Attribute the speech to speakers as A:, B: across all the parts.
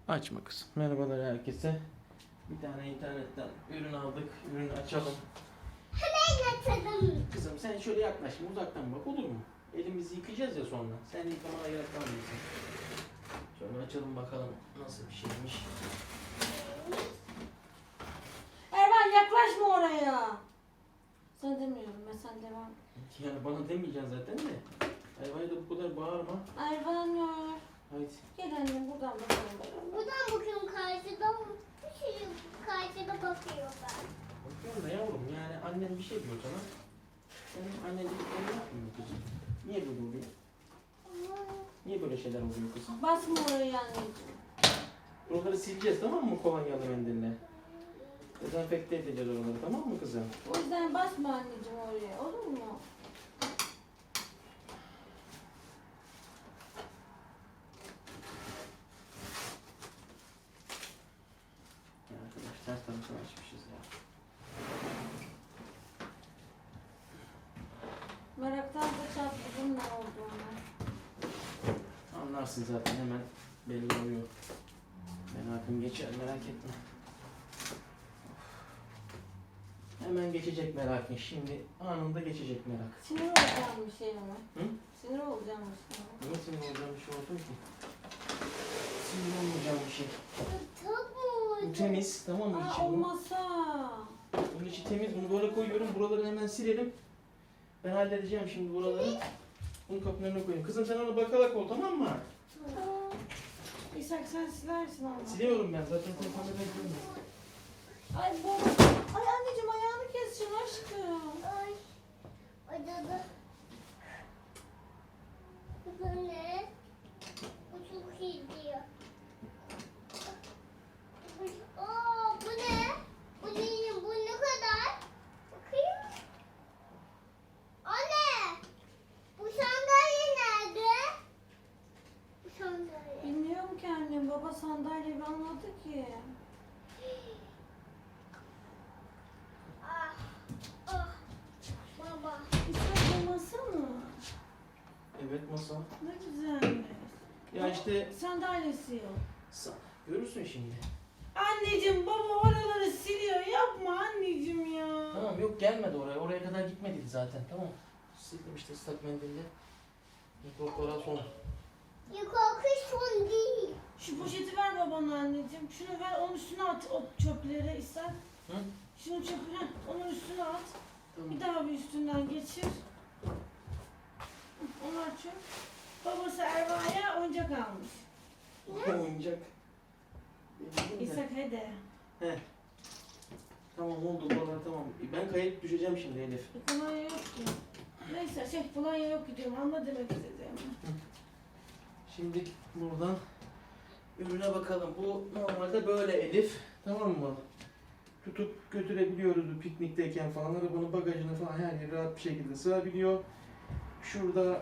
A: Açma kızım. Merhabalar herkese. Bir tane internetten ürün aldık. Ürünü açalım.
B: Hemen açalım.
A: Kızım sen şöyle yaklaş. Uzaktan bak, olur mu? Elimizi yıkayacağız ya sonra. Sen de yıkamana gerek kalmayacak. Şöyle açalım bakalım nasıl bir şeymiş.
B: Erman yaklaşma oraya. Sen demiyorum ben, sen devam.
A: Yani bana demeyeceksin zaten de. Hayvaya da bu kadar bağırma.
B: Erman ya.
A: Haydi.
B: Gel annem buradan bakalım.
C: Buradan bakıyorum, karşıdan bir şey karşıda bakıyor ben.
A: Bakıyorum da yavrum, yani annen bir şey diyor sana. Senin annen dediklerini yapmıyor kızım. Niye böyle oluyor? Niye böyle şeyler oluyor kızım?
B: Basma oraya anneciğim.
A: Oraları sileceğiz, tamam mı, kolonyalı mendille? Dezenfekte edeceğiz oraları, tamam mı kızım?
B: O yüzden basma anneciğim oraya, olur mu?
A: Ya arkadaş, ters tarafını açmışız ya.
B: Meraktan da çatladım ne olduğunu.
A: Anlarsın zaten, hemen belli oluyor. Merakım geçer, merak etme. Hemen geçecek merakın, şimdi anında geçecek merak.
B: Sinir olacağım bir şey mi?
A: Hı?
B: Sinir olacağım bir şey mi?
A: Niye sinir olacağım bir şey oldu ki? Sinir olmayacağım bir şey. Bu temiz, tamam mı?
B: Aa,
A: İçi bu.
B: olmasa.
A: Bunun içi temiz, bunu böyle koyuyorum. Buraları hemen silelim. Ben halledeceğim şimdi buraları. Bunu kapının önüne koyayım. Kızım sen ona bakarak ol, tamam mı?
B: İshak sen silersin ama.
A: Siliyorum ben zaten, sen kamerayı görmüyorsun.
B: Ay bu. Ay anneciğim ayağını keseceğim aşkım.
C: Ay, acıdı. Bu ne? Bu çok iyi diyor. Aa, bu ne? Bu değil, bu ne kadar? Bakayım. Anne! Bu sandalye nerede? Bu sandalye.
B: Bilmiyorum ki annem, baba sandalye almadı ki.
C: Ah, ah, baba.
B: İshak bu masa mı?
A: Evet, masa.
B: Ne güzelmiş.
A: Ya işte
B: Sandalyesi yok.
A: görürsün şimdi.
B: Anneciğim baba oraları siliyor, yapma anneciğim ya.
A: Tamam, yok gelmedi oraya. Oraya kadar gitmedi zaten, tamam. Sildim işte ıslak mendille. Mikroplara son.
C: Yukarı son değil.
B: Şu poşeti ver babana anneciğim. Şunu ver, onun üstüne at o çöpleri İshak.
A: Hı?
B: Şunu çöpüne, onun üstüne at.
A: Tamam.
B: Bir daha bir üstünden geçir. Onlar çöp. Babası Erva'ya oyuncak almış.
A: Oyuncak. Benim de.
B: İshak hadi.
A: He. Tamam oldu buralar, tamam. Ben kayıp düşeceğim şimdi Elif.
B: Kolonya yok ki. Neyse kolonya yok gidiyorum, anla demek istediğimi.
A: Şimdi buradan ürüne bakalım. Bu normalde böyle Elif. Tamam mı? Tutup götürebiliyoruz bu piknikteyken falan. Arabanın bagajına falan her yere rahat bir şekilde sığabiliyor. Şurada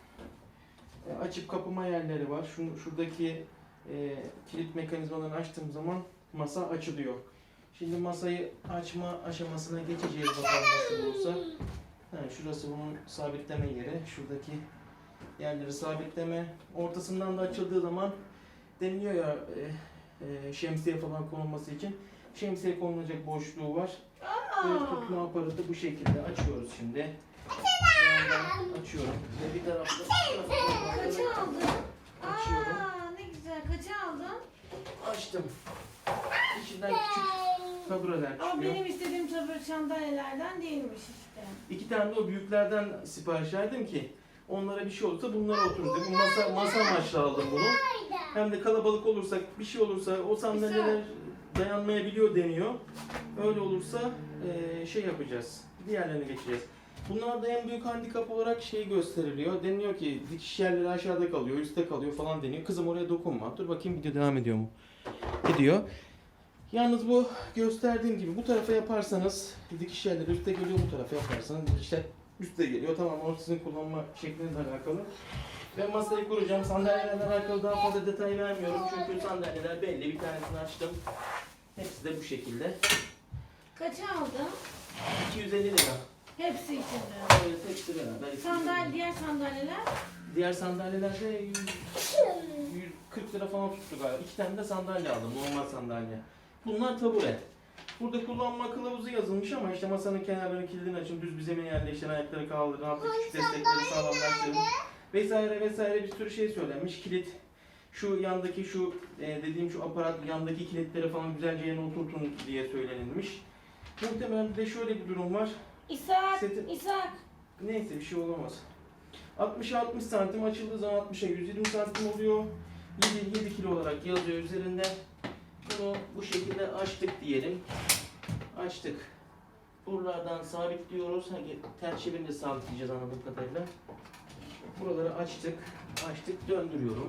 A: açıp kapama yerleri var. Şuradaki kilit mekanizmalarını açtığım zaman masa açılıyor. Şimdi masayı açma aşamasına geçeceğiz bakalım nasıl olursa. Ha, şurası bunun sabitleme yeri. Şuradaki yerleri sabitleme. Ortasından da açıldığı zaman deniliyor ya şemsiye falan konulması için. Şemsiye konulacak boşluğu var. Ve tutma aparatı bu şekilde açıyoruz şimdi. Yandan açıyorum. Ve bir tarafta
B: Kaça aldın?
A: açıyorum.
B: Aa, ne güzel. Kaça aldın?
A: Açtım. İçinden küçük tabureler
B: Ama
A: çıkıyor.
B: benim istediğim tabii sandalyelerden değilmiş işte.
A: 2 tane de o büyüklerden sipariş verdim ki onlara bir şey olursa bunlara oturur dedim. Masa amaçlı aldım bunu. Hem de kalabalık olursak, bir şey olursa o sandalyeler dayanmayabiliyor deniyor. Öyle olursa şey yapacağız. Diğerlerine geçeceğiz. Bunlarda en büyük handikap olarak şey gösteriliyor. Deniliyor ki dikiş yerleri aşağıda kalıyor, üstte kalıyor falan deniyor. Kızım oraya dokunma. Dur bakayım video devam ediyor mu? Ediyor. Yalnız bu gösterdiğim gibi bu tarafa yaparsanız dikiş yerleri üstte geliyor, bu tarafa yaparsanız dikişler üstte geliyor. Tamam, o sizin kullanma şeklinizle alakalı. Ben masayı kuracağım. Sandalyelerle alakalı daha fazla detay vermiyorum. Çünkü sandalyeler belli. Bir tanesini açtım. Hepsi de bu şekilde.
B: Kaça aldın?
A: 250 lira.
B: Hepsi içinde.
A: Evet, hepsi beraber.
B: Diğer sandalyeler?
A: Diğer sandalyelerde 140 40 lira falan tuttu galiba. 2 tane de sandalye aldım, normal sandalye. Bunlar tabure. Burada kullanma kılavuzu yazılmış ama işte masanın kenarlarını kilidini açın, düz bir zemin yerleştirin, ayakları kaldırın, hafif küçük destekleri sağlamlaştırın vesaire vesaire bir sürü şey söylenmiş. Kilit, şu yandaki şu dediğim şu aparat yandaki kilitleri falan güzelce yerine oturtun diye söylenilmiş. Muhtemelen bir de şöyle bir durum var.
B: İshak,
A: Seti-
B: İshak.
A: Neyse bir şey olamaz. 60'a 60 santim açıldığı zaman 60'a 120 santim oluyor. 7 kilo olarak yazıyor üzerinde. Bunu bu şekilde açtık diyelim. Açtık. Buralardan sabitliyoruz. Ters çevirince sabitleyeceğiz anladığım kadarıyla. Buraları açtık. Açtık. Döndürüyorum.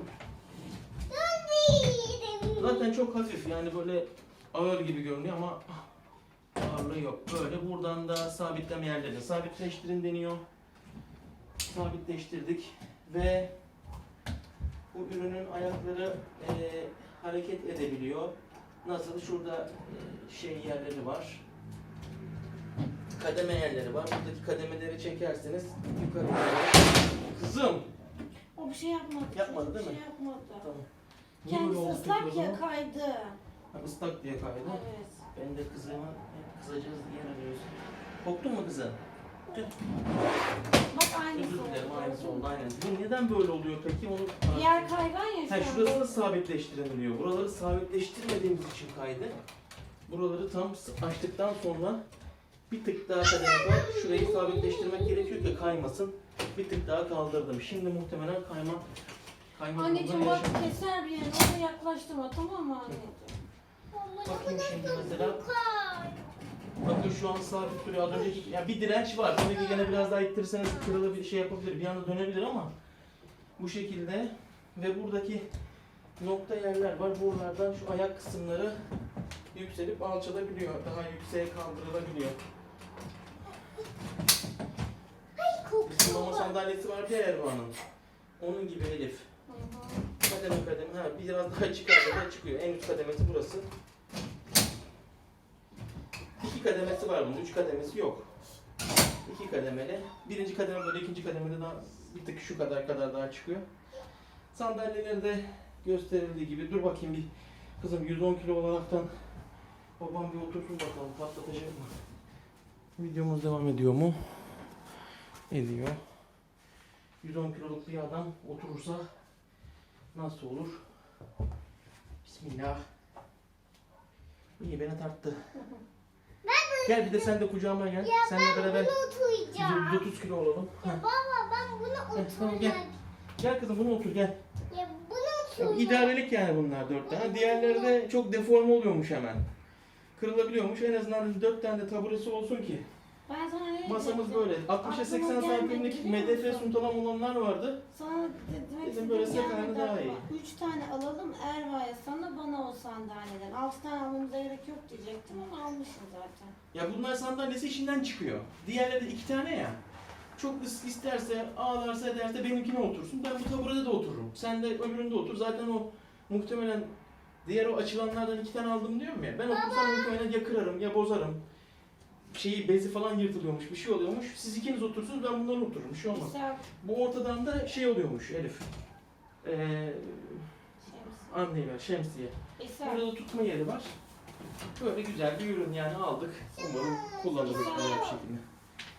A: Zaten çok hafif yani böyle ağır gibi görünüyor ama ağırlığı yok. Böyle buradan da sabitleme yerlerini sabitleştirin deniyor. Sabitleştirdik ve bu ürünün ayakları hareket edebiliyor. Nasıl? Şurada şey yerleri var. Kademe yerleri var. Buradaki kademeleri çekerseniz yukarı doğru. Kızım!
B: O bir şey yapmadı.
A: Yapmadı
B: Çocuk
A: değil
B: bir
A: mi?
B: şey yapmadı.
A: Tamam. Niye böyle
B: Kendisi
A: oldu peki o
B: ıslak
A: zaman?
B: ya kaydı.
A: Ha, ıslak diye kaydı.
B: Evet.
A: Ben de kızıma kızacağız diye arıyoruz. Korktun mu kızım? Tüh.
B: Bak aynısı
A: Özür dilerim,
B: oldu.
A: aynısı oldu aynen. Bu neden böyle oluyor peki? Onu
B: Diğer kaygan ya şu
A: ha,
B: an.
A: şurasını sabitleştirin. Buraları sabitleştirmediğimiz için kaydı. Buraları tam açtıktan sonra bir tık daha kademe var. Şurayı sabitleştirmek gerekiyor ki kaymasın. Bir tık daha kaldırdım. Şimdi muhtemelen kayma
B: Anneciğim
A: durumuna
B: bak
A: yaşam-
B: keser bir yerini. Oraya yaklaştırma, tamam mı anneciğim?
A: Bakayım şimdi mesela. Bakın şu an sabit duruyor. Az önceki yani bir direnç var. Tabii ki gene biraz daha ittirirseniz kırılabilir, şey yapabilir. Bir anda dönebilir ama bu şekilde ve buradaki nokta yerler var. Buralardan şu ayak kısımları yükselip alçalabiliyor. Daha yükseğe kaldırılabiliyor. Bizim mama sandalyesi vardı ya Erva'nın. Onun gibi Elif.
B: Hı hı.
A: Kademe kademe. Ha, biraz daha çıkarsa da çıkıyor. En üst kademesi burası. 2 kademesi var bunun. 3 kademesi yok. 2 kademeli. Birinci kademe böyle, ikinci kademede daha bir tık şu kadar daha çıkıyor. Sandalyeleri de gösterildiği gibi. Dur bakayım bir. Kızım 110 kilo olaraktan babam bir otursun bakalım patlatacak mı? Videomuz devam ediyor mu? Ediyor. 110 kiloluk bir adam oturursa nasıl olur? Bismillah. İyi beni tarttı. Gel bir de sen de kucağıma gel. Seninle beraber
C: Bunu oturacağım.
A: 130 kilo olalım.
C: Ya
A: Heh.
C: baba ben bunu
A: Evet, tamam, gel.
C: oturacağım.
A: Gel kızım bunu otur gel.
C: Ya bunu
A: Ya,
C: oturacağım.
A: İdarelik yani bunlar 4 tane. Diğerleri de çok deforme oluyormuş hemen. Kırılabiliyormuş. En azından 4 tane de taburesi olsun ki.
B: Ben sana ne
A: Masamız
B: diyecektim?
A: böyle. 60'a 80
B: Aklıma gelmedi,
A: santimlik
B: biliyor
A: medefe
B: musun?
A: suntalam olanlar vardı.
B: Sana demek
A: Dedim böyle
B: istediğim
A: sekanı
B: gelmedi
A: daha iyi.
B: aklıma. 3 tane alalım Erva'ya, sana bana o sandalyeden. 6 tane almamıza gerek yok diyecektim ama almışım zaten.
A: Ya bunlar sandalyesi işinden çıkıyor. Diğerleri de 2 tane ya. Çok isterse, ağlarsa ederse benimkine otursun. Ben bu taburede de otururum. Sen de öbüründe otur. Zaten o muhtemelen diğer o açılanlardan 2 tane aldım diyorum ya. Ben otursam muhtemelen ya kırarım ya bozarım. Şeyi bezi falan yırtılıyormuş, bir şey oluyormuş. Siz ikiniz otursunuz, ben bunlarla otururum. Bir şey olmaz.
B: İshak,
A: Bu ortadan da şey oluyormuş Elif. Anlayıver, şemsiye.
B: İshak.
A: Burada da tutma yeri var. Böyle güzel bir ürün yani aldık. Umarım kullanırız böyle bir şekilde.